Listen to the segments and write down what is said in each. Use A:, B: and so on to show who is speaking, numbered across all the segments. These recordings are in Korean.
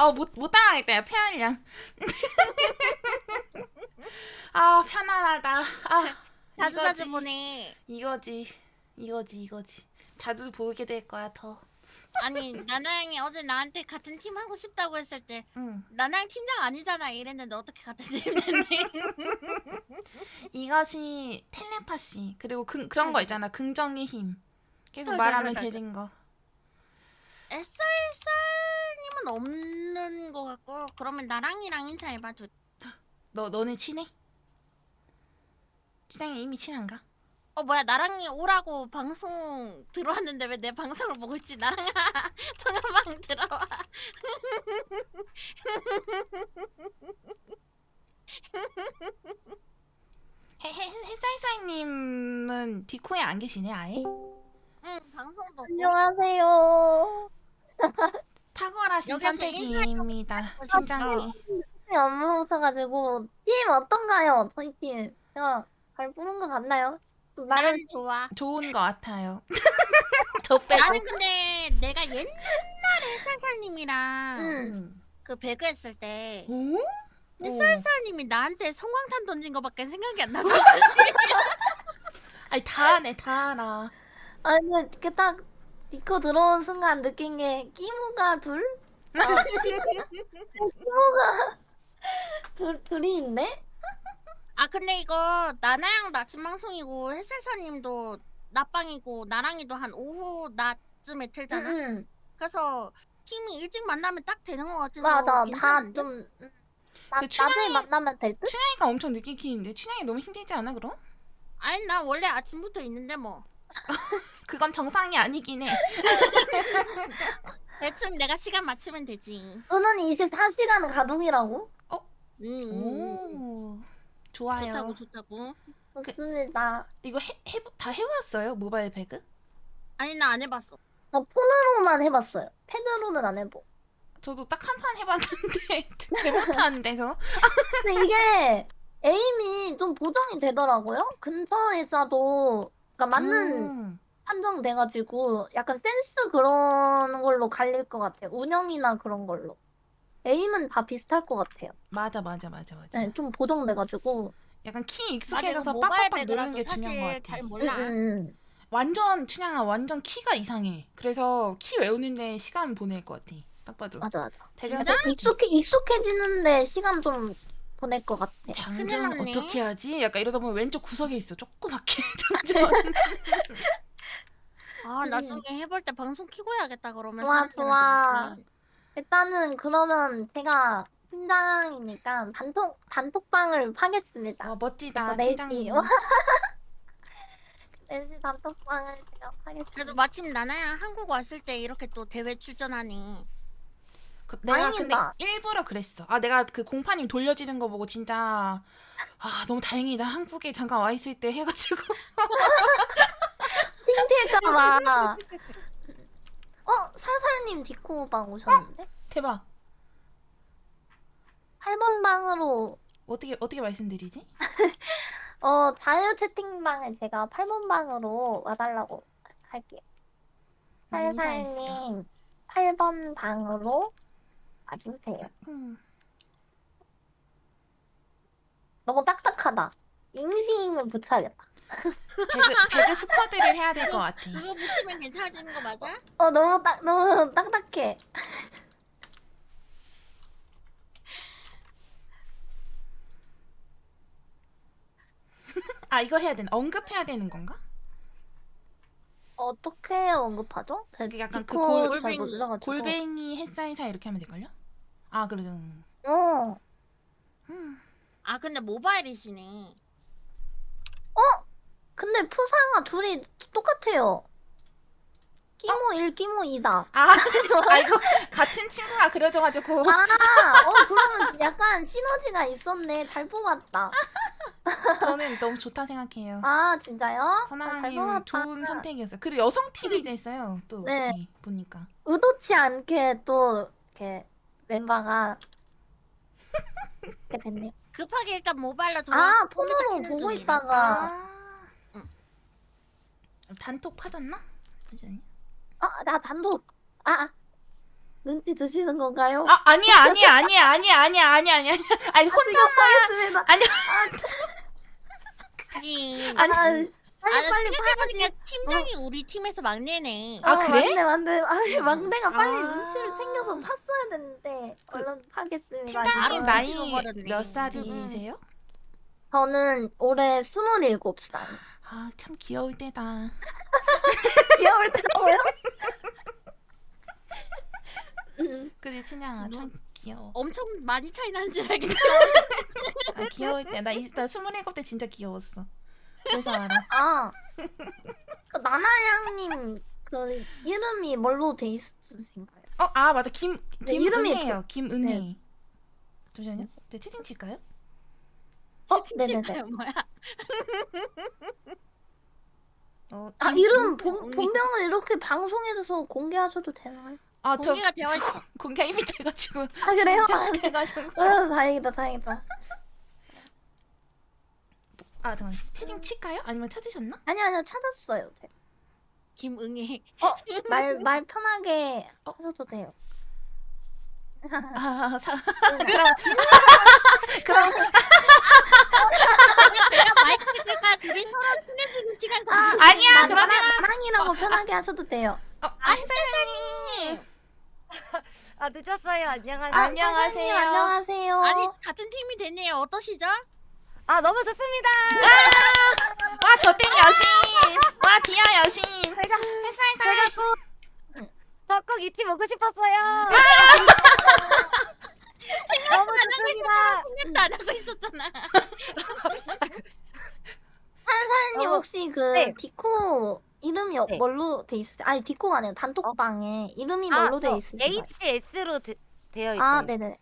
A: 못 따라하겠다. 야, 편량. 아, 편안하다. 아,
B: 자주자주
A: 이거지.
B: 보내.
A: 이거지. 자주 보게 될 거야, 더.
B: 아니 나나양이 어제 나한테 같은 팀 하고 싶다고 했을 때
A: 응.
B: 나나양 팀장 아니잖아 이랬는데 어떻게 같은 팀 됐니?
A: 이것이 텔레파시. 그리고 그런 거 있잖아. 긍정의 힘. 계속 말하면
B: 덜덜덜덜.
A: 되는 거.
B: SR님은 없는 거 같고 그러면 나랑이랑 인사해봐.
A: 너네 친해? 춘향이 이미 친한가?
B: 뭐야 나랑이 오라고 방송 들어왔는데 왜 내 방송을 보고 있지? 나랑아 통화방 들어와.
A: 햇사이사이님은 디코에 안 계시네, 아예?
B: 응 방송 보고
C: 안녕하세요.
A: 탁월하신
B: 여기서
A: 선택입니다,
B: 인사하고
A: 팀장님.
C: 팀이 안 오셔가지고 팀 어떤가요? 저희 팀 제가 잘 부른 것 같나요? 나름
B: 난 좋아.
A: 좋은 것 같아요. 저 빼고.
B: 나는 근데 내가 옛날에 햇살살님이랑
A: 음.
B: 그 배그 했을 때
A: 오?
B: 햇살살님이 나한테 성광탄 던진 거밖에 생각이 안 나서
A: 아니 다 하네, 다 알아.
C: 아니 그딱 디코 들어온 순간 느낀 게 끼모가 둘? 끼모가 둘이 있네?
B: 아 근데 이거 나나양 낮은 방송이고 햇살살님도 낮방이고 나랑이도 한 오후 낮쯤에 틀잖아.
C: 응.
B: 그래서 팀이 일찍 만나면 딱 되는 것 같아서
C: 맞아.
B: 괜찮은데?
C: 다좀
A: 그
C: 낮에 만나면 될 듯?
A: 춘향이가 엄청 늦게 키는데 춘향이 너무 힘들지 않아, 그럼?
B: 아니 나 원래 아침부터 있는데 뭐
A: 그건 정상이 아니긴 해.
B: 대충 내가 시간 맞추면 되지.
C: 너는 24시간 가동이라고?
A: 오, 좋아요.
B: 좋다고.
C: 좋습니다.
A: 이거 다 해봤어요? 모바일 배그?
B: 아니 나 안 해봤어.
C: 저 폰으로만 해봤어요. 패드로는 안 해보.
A: 저도 딱 한 판 해봤는데 개 못하는데 저.
C: 근데 이게 에임이 좀 보정이 되더라고요. 근처에서도 그러니까 맞는
A: 음,
C: 판정돼가지고 약간 센스 그런 걸로 갈릴 것 같아요. 운영이나 그런 걸로. 에임은 다 비슷할 것 같아요.
A: 맞아.
C: 네, 좀 보정돼가지고.
A: 약간 키
B: 맞아 이거
A: 익숙해져서
B: 모바일
A: 빡빡빡 누르는
B: 배그라서
A: 게 중요한 것
B: 사실
A: 같아.
B: 잘 몰라.
A: 완전 춘향아 완전 키가 이상해. 그래서 키 외우는데 시간 보낼 것 같아. 딱 봐도.
C: 맞아.
A: 배그랑
B: 진짜?
A: 똑같아.
C: 익숙해지는데 시간 좀 보낼 것 같아.
B: 큰일
A: 장전
B: 났네.
A: 어떻게 하지? 약간 이러다 보면 왼쪽 구석에 있어. 조그맣게 장전.
B: 아 나중에 해볼 때 방송 키고 해야겠다 그러면
C: 좋아.
B: 사람들한테.
C: 일단은 그러면 제가 팀장이니까 단톡방을 하겠습니다.
A: 멋지다,
C: 그래서
A: 팀장님.
C: 4시 단톡방을 제가 하겠습니다.
B: 그래도 마침 나나야 한국 왔을 때 이렇게 또 대회 출전하니.
A: 내가 근데
C: 다행이다.
A: 일부러 그랬어. 내가 그 공파님 돌려지는 거 보고 진짜 너무 다행이다. 한국에 잠깐 와 있을 때 해가지고.
C: 띵틸까봐. 살살님 디코방 오셨는데?
A: 대박.
C: 8번 방으로
A: 어떻게 말씀드리지?
C: 자유 채팅방에 제가 8번 방으로 와달라고 할게요.
A: 인사했어.
C: 살살님 8번 방으로 와주세요. 너무 딱딱하다. 잉싱을 붙여야겠다.
A: 배그 스쿼드를 해야 될 것 같아.
B: 그거 붙이면 괜찮아지는 거 맞아?
C: 너무 딱딱해.
A: 이거 해야 되나? 언급해야 되는 건가?
C: 어떻게 언급하죠?
A: 그게 약간 그
C: 디코 잘
B: 골뱅이.
C: 몰라가지고.
A: 골뱅이 햇사이사 이렇게 하면 될걸요? 그래도.
C: 어.
B: 아 근데 모바일이시네.
C: 근데 푸사가 둘이 똑같아요. 끼모 1, 끼모 2다.
A: 이거 같은 친구가 그려줘가지고.
C: 그러면 약간 시너지가 있었네. 잘 뽑았다.
A: 저는 너무 좋다 생각해요.
C: 진짜요? 잘
A: 선아님
C: 뽑았다.
A: 좋은 선택이었어요. 그리고 여성 팀이 됐어요. 또
C: 네.
A: 어떻게 보니까.
C: 의도치 않게 또 이렇게 멤버가 이렇게 됐네요.
B: 급하게 일단 모바일로 들어와.
C: 폰으로 보고 있다가
B: 응.
A: 단톡 파졌나? 그지 않냐?
C: 나 단독 눈치 주시는 건가요?
A: 아 아니야. 아니 혼자만
C: 하겠습니다.
A: 아니
B: 하긴.
A: 아니
C: 빨리
B: 생각해보니까
C: 파야지.
B: 팀장이 우리 팀에서 막내네.
A: 아, 그래?
C: 맞네. 아니 막내가 빨리
A: 아.
C: 눈치를 챙겨서 팠어야 되는데 얼른 파겠습니다.
A: 팀장님
B: 바로
A: 나이
B: 찍어버렸네.
A: 몇 살이세요?
C: 저는 올해 27살.
A: 아 참 귀여울 때다.
C: 귀여울 때라고요?
A: 그래 친양아 참 귀여워.
B: 엄청 많이 차이 나는 줄 알겠다.
A: 아, 귀여울 때 나 27때 진짜 귀여웠어. 그래서 알아.
C: 아, 그 나나양님 그 이름이 뭘로 돼 있으신가요?
A: 아 맞다
C: 네, 이름이
A: 김은혜요. 김은혜.
C: 네.
A: 잠시만요. 저 채팅 칠까요?
C: 네네네.
B: 진짜요, 뭐야?
C: 아 이름
B: 김은혜.
C: 본명을 이렇게 방송에서 공개하셔도 되나요?
A: 아저
B: 공개가 되어 있어.
A: 공개 이미 돼가지고.
C: 아 그래요?
A: 진짜 돼가지고.
C: 다행이다.
A: 아 잠깐 채팅 칠까요? 아니면 찾으셨나?
C: 아니요 찾았어요. 제가.
B: 김응애.
C: 말 편하게 하셔도 돼요.
A: 아
C: 그럼
A: 그럼
B: 내가 마이크가 둘이 서로 친해지는 시간
A: 아니야 그러지 마.
C: 나랑이라고 편하게 하셔도 돼요.
A: 혜선님
D: 아 늦었어요. 안녕하세요.
A: 안녕하세요.
C: 안녕하세요.
B: 아니 같은 팀이 되네요. 어떠시죠?
D: 아 너무 좋습니다.
A: 와 저땐 여신. 와 디아 여신.
D: 제가
A: 햇살살.
D: 꼭 잊지 먹고 싶었어요. 너무 좋습니다.
B: 생각도 안 하고 있었잖아.
C: 사장님 혹시 그
D: 네.
C: 디코 이름이
D: 네.
C: 뭘로 돼 있으세요? 아니 디코가 아니라 단톡방에 이름이 뭘로 돼 있으신가요?
D: HS로 되어 있어요.
C: 아 네네.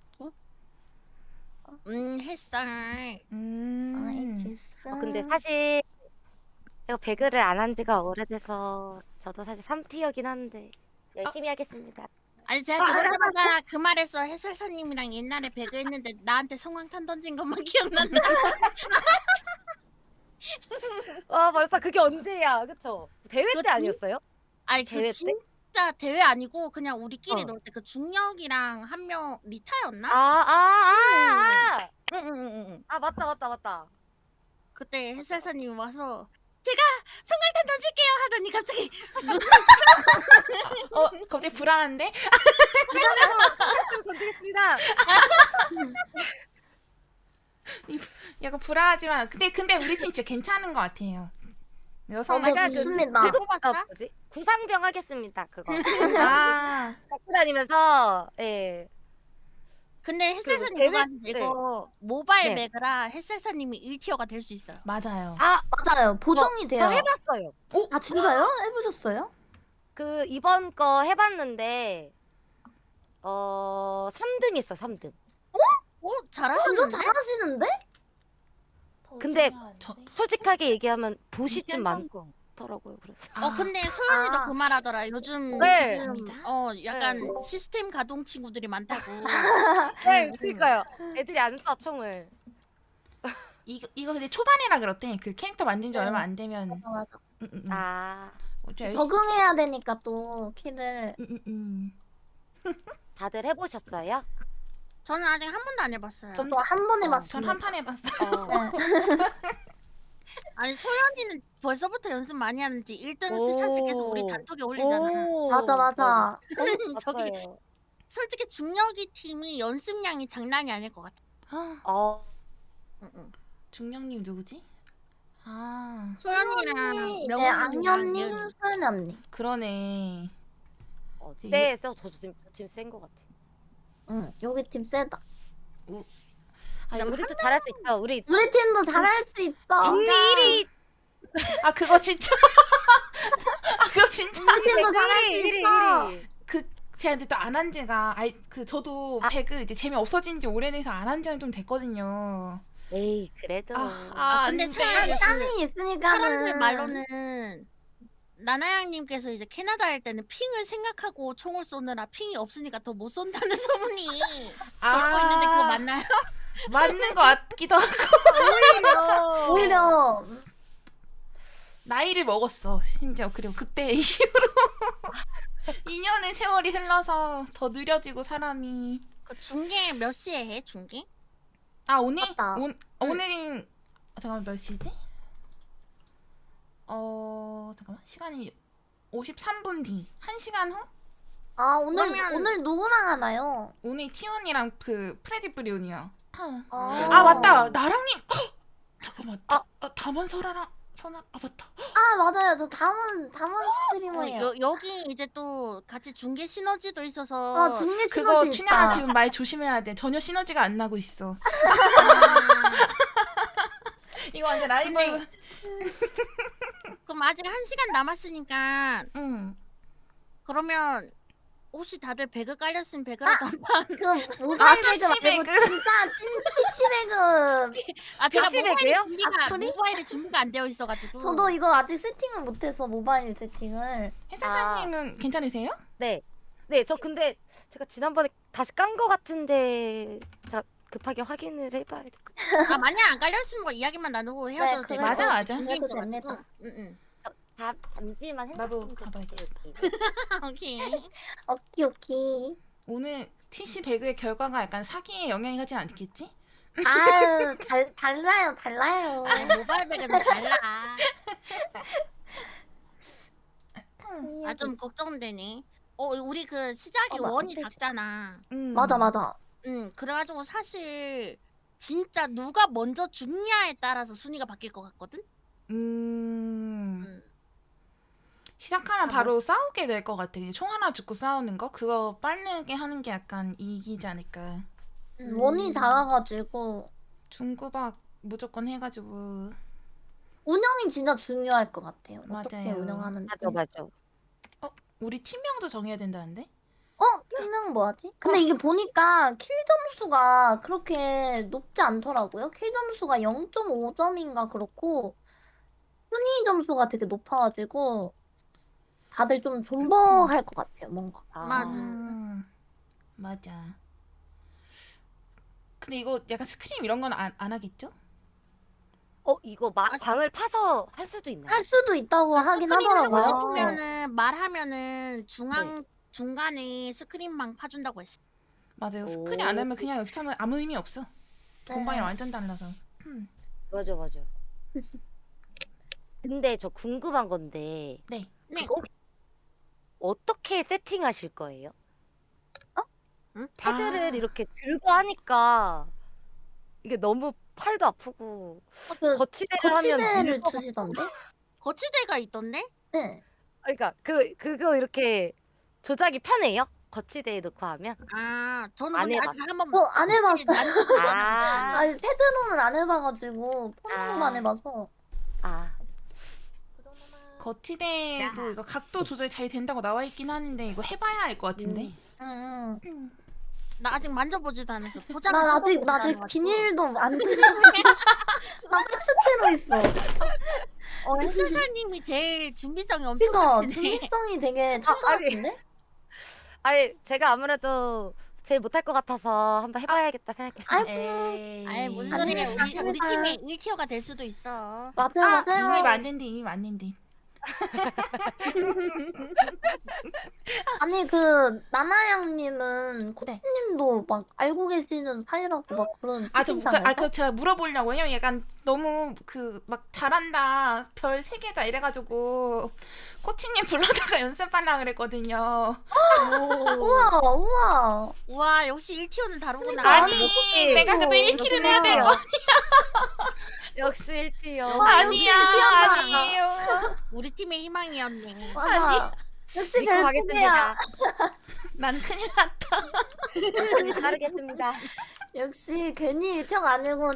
B: 햇살.
C: 아 HS.
D: 근데 사실 제가 배그를 안 한 지가 오래돼서 저도 사실 3티어긴 한데 열심히 하겠습니다.
B: 아니 제가 그러다가 그 말에서 해설사님이랑 옛날에 배그했는데 나한테 성황탄 던진 것만 기억난다.
D: 와 벌써 그게 언제야, 그쵸? 대회
B: 그거
D: 때 아니었어요?
B: 아니
D: 대회 때?
B: 진짜 대회 아니고 그냥 우리끼리
D: 어.
B: 놀 때 그 중력이랑 한 명 리타였나? 응응응응.
D: 아 맞다.
B: 그때 해설사님이 와서 제가 성황탄 던질게요 하더니 갑자기
A: 갑자기 불안한데?
D: 던지겠습니다.
A: 약간 불안하지만 근데 우리 팀 진짜 괜찮은 것 같아요. 여성
C: 맞아,
A: 분-
C: 좋습니다.
B: 왜 뽑았다?
D: 뭐지? 구상병 하겠습니다. 그거
A: 아
D: 갖고 다니면서 예.
B: 근데 햇살사님
D: 대회-
B: 그거 이거 모바일
D: 네.
B: 매그라 햇살사님이 1티어가 될 수 있어요.
A: 맞아요.
C: 맞아요. 보정이 돼요.
D: 저 해봤어요.
C: 아 진짜요? 해보셨어요?
D: 그 이번 거 해봤는데 3등 했어. 3등.
B: 오
C: 완전
B: 잘하셨는데?
C: 잘하시는데?
D: 근데
A: 저
D: 솔직하게 얘기하면 보시 좀 많더라고요. 그래서
B: 근데 소연이도
C: 아.
B: 그 말하더라. 요즘
D: 네.
B: 약간 시스템 가동 친구들이 많다고.
D: 네, 그러니까요. 애들이 안 써 총을.
A: 이거 근데 초반이라 그렇대. 그 캐릭터 만든 지
C: 네.
A: 얼마 안 되면.
C: 맞아.
D: 아
A: 좀 열심히-
C: 적응해야 되니까 또 키를.
D: 다들 해보셨어요?
B: 저는 아직 한 번도 안 해봤어요.
A: 전-
C: 또 한 번
A: 전
C: 해봤습니다.
A: 한 판 해봤어요.
C: 네.
B: 아니 소연이는 벌써부터 연습 많이 하는지 1등
D: 오.
B: 스샷을 계속 우리 단톡에 올리잖아.
C: 맞아.
B: 저기
D: 맞아요.
B: 솔직히 중력이 팀이 연습량이 장난이 아닐 것 같아.
D: 어,
B: 응.
A: 중령님 누구지? 아
B: 소연이랑
C: 네,
B: 명훈이랑
C: 악녀님,
B: 예은이.
C: 소연이 언니.
A: 그러네.
D: 네, 저도 지금 센 것 같아.
C: 응, 여기 팀 세다.
A: 아 이거
D: 우리도 잘할 수 있어. 우리
C: 우리 팀도 잘할 수 있어.
D: 국내 1위,
A: 아 그거 진짜. 아 그거 진짜.
C: 우리 팀도 잘할 수
D: 1위,
C: 있어.
D: 1위.
A: 제가 근데 또 안 한 지가 저도 배그 이제 재미 없어진 지 오래돼서 안 한 지는 좀 됐거든요.
D: 에이, 그래도.
B: 근데
A: 안 돼.
B: 사람이
C: 땀이 있으니까는.
B: 사람들 말로는 나나양님께서 이제 캐나다 할 때는 핑을 생각하고 총을 쏘느라 핑이 없으니까 더 못 쏜다는 소문이 돌고 있는데 그거 맞나요?
A: 맞는 것 같기도 하고.
C: 오히려
A: 나이를 먹었어 심지어. 그리고 그때 이후로 2년의 세월이 흘러서 더 느려지고 사람이.
B: 그 중계 몇 시에 해? 중계?
A: 아 오늘?
C: 맞다.
A: 오늘은 잠깐만 몇 시지? 잠깐만 시간이 53분 뒤. 1시간 후?
C: 아 오늘
B: 그러면-
C: 오늘 누구랑 하나요?
A: 오늘 티온이랑 그 프레디 브리온이요.
C: 아,
A: 아 맞다 나랑님. 잠깐만. 담원 설아랑 선아. 아 맞다.
C: 아 맞아요. 저 담은 스트리머예요.
B: 여기 이제 또 같이 중계 시너지도 있어서
C: 아 중계
A: 그거
C: 시너지
A: 춘향아
C: 있다.
A: 지금 말 조심해야 돼. 전혀 시너지가 안 나고 있어. 이거 완전 라이브.
B: 근데- 그럼 아직 1시간 남았으니까
A: 응.
B: 그러면 혹시 다들 배그 깔렸으면 배그라도 한판.
C: 그 모바일 배그
A: PC
C: 말고
A: 배그.
C: 진짜 찐 PC 배그.
B: 아 제가
D: PC
B: 모바일에
D: 배그요?
B: 준비가
C: 악플이?
B: 모바일에 준비가 안 되어 있어가지고.
C: 저도 이거 아직 세팅을 못해서 모바일 세팅을.
A: 해사사님은 괜찮으세요?
D: 네. 네, 저 근데 제가 지난번에 다시 깐 거 같은데 자 급하게 확인을 해봐야 될 것 같아요.
B: 아 만약 안 깔렸으면 뭐 이야기만 나누고 헤어져도
C: 그래.
B: 되고.
A: 맞아, 맞아.
B: 중계
C: 그래도
B: 있어가지고.
C: 됩니다.
B: 응.
D: 잠시만
A: 나도
D: 생각 좀
A: 가봐야겠다.
B: 오케이.
C: 오키.
A: 오늘 TC 배그의 결과가 약간 사기에 영향이 가진 않겠지?
C: 아유 달라요.
B: 모바일 배그는 달라. 아 좀 걱정되네. 우리 그 시작이
C: 맞아.
B: 원이 작잖아.
C: 맞아.
B: 그래가지고 사실 진짜 누가 먼저 죽냐에 따라서 순위가 바뀔 것 같거든.
A: 시작하면
B: 아,
A: 바로 싸우게 될 것 같아. 그냥 총 하나 죽고 싸우는 거? 그거 빠르게 하는 게 약간 이기지 않을까.
C: 원이 작아가지고
A: 중구박 무조건 해가지고.
C: 운영이 진짜 중요할 것 같아요. 어떻게
A: 맞아요.
C: 운영하는지.
D: 맞아.
A: 우리 팀명도 정해야 된다는데?
C: 팀명 뭐하지? 근데 이게 보니까 킬 점수가 그렇게 높지 않더라고요. 킬 점수가 0.5점인가 그렇고 순위 점수가 되게 높아가지고 다들 좀 존버할 것 같아요. 뭔가.
B: 맞아.
A: 맞아. 근데 이거 약간 스크림 이런 건 안 하겠죠?
D: 이거 방을 파서 할 수도 있나요?
C: 할 수도 있다고 하긴
B: 스크린 하고
C: 하더라고요.
B: 싶으면은 말하면은 중간에 스크린망 파준다고 했어.
A: 맞아요.
D: 오.
A: 스크림 안 하면 그냥 연습하면 아무 의미 없어.
C: 네.
A: 공방이랑 완전 달라서.
D: 맞아. 근데 저 궁금한 건데
A: 네.
B: 네.
D: 그거 혹시 어떻게 세팅하실 거예요?
B: 응?
D: 패드를 이렇게 들고 하니까 이게 너무 팔도 아프고
C: 그
D: 거치대를 하면
C: 거치대를
D: 밀 것
C: 주시던데?
B: 거치대가 있던데?
C: 네.
D: 그러니까 그거 이렇게 조작이 편해요? 거치대에 놓고 하면?
B: 아 저는
D: 안
B: 근데
D: 해봤-
B: 아직 한번
C: 안 해봤어요.
D: 아,
C: 아니 패드로는 안 해봐가지고 폰으로만
D: 아.
C: 해봐서.
D: 아,
A: 거치대도 이거 각도 조절 잘 된다고 나와 있긴 하는데 이거 해봐야 알 것 같은데.
C: 응.
B: 나 아직 만져보지도 않았어. 포장
C: 나 아직 비닐도 안 들여. 나 박스채로 있어.
B: 햇살님이 제일 준비성이 엄청
C: 그니까
B: 크시네.
C: 준비성이 되게 철저한데?
D: 아니 제가 아무래도 제일 못할 것 같아서 한번 해봐야겠다 생각했어요.
A: 에이.
B: 아이 무슨
C: 아니,
B: 소리야. 우리
C: 아닙니다.
B: 팀에 1티어가 될 수도 있어.
C: 맞아요.
A: 이미 맞는데.
C: 아니 그 나나양님은
A: 네.
C: 코치님도 막 알고 계시는 사이라고 막 그런
A: 그 제가 물어보려고. 왜냐면 약간 너무 막 잘한다. 별 3개다 이래가지고 코치님 불러다가 연습하려고 그랬거든요.
C: 우와.
B: 와 역시 1티어는 다르구나.
A: 아니
D: 어떡해.
A: 내가 그래도 1킬은 해야 될 거.
D: 역시 1티어.
A: 아니야
C: 역시
A: 아니에요.
B: 우리 팀의 희망이었네.
C: 맞아. 역시
D: 믿고
C: 별풍이야.
D: 가겠습니다.
A: 난 큰일 났다.
D: 열심히 따르겠습니다.
C: 역시 괜히 1티어가 아니고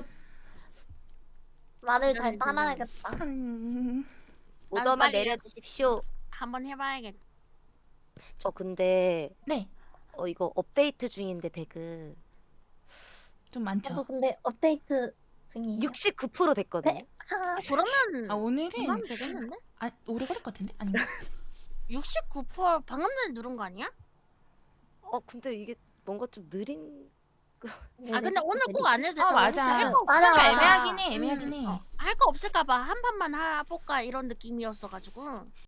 C: 말을 잘
B: 그러네,
C: 따라야겠다.
D: 오더만
B: 빨리
D: 내려주십시오.
B: 한번 해봐야겠다.
D: 저 근데
A: 네.
D: 이거 업데이트 중인데 배그
A: 좀
C: 저도
A: 많죠.
C: 근데 업데이트 중이에요.
D: 69% 됐거든요.
C: 네.
B: 그러면
A: 아 오늘은
B: 이만 되겠는데?
A: 오래 걸릴 것 같은데? 아닌가?
B: 69% 방금 전에 누른 거 아니야?
D: 근데 이게 뭔가 좀 느린.
B: 아 근데 오늘 꼭 안 해도 돼서
A: 맞아.
B: 할거
C: 맞아,
A: 시간이
C: 맞아.
A: 애매하긴 해.
B: 할 거 없을까봐 한 판만 해볼까 이런 느낌이었어가지고